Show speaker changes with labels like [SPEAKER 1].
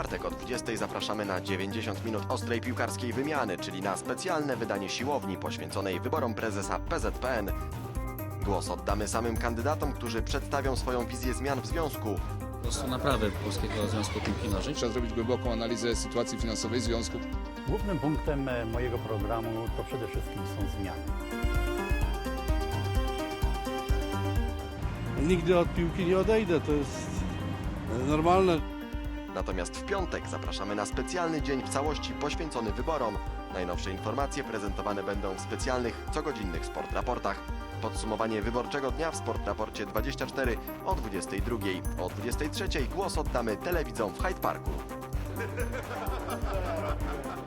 [SPEAKER 1] czwartek o 20 zapraszamy na 90 minut ostrej piłkarskiej wymiany, czyli na specjalne wydanie siłowni poświęconej wyborom prezesa PZPN. Głos oddamy samym kandydatom, którzy przedstawią swoją wizję zmian w związku.
[SPEAKER 2] Po prostu naprawy Polskiego Związku Piłki Nożnej.
[SPEAKER 3] Trzeba zrobić głęboką analizę sytuacji finansowej związku.
[SPEAKER 4] Głównym punktem mojego programu to przede wszystkim są zmiany.
[SPEAKER 5] Nigdy od piłki nie odejdę, to jest normalne.
[SPEAKER 1] Natomiast w piątek zapraszamy na specjalny dzień w całości poświęcony wyborom. Najnowsze informacje prezentowane będą w specjalnych, cogodzinnych Sport Raportach. Podsumowanie wyborczego dnia w Sport Raporcie 24 o 22. O 23 głos oddamy telewidzom w Hyde Parku.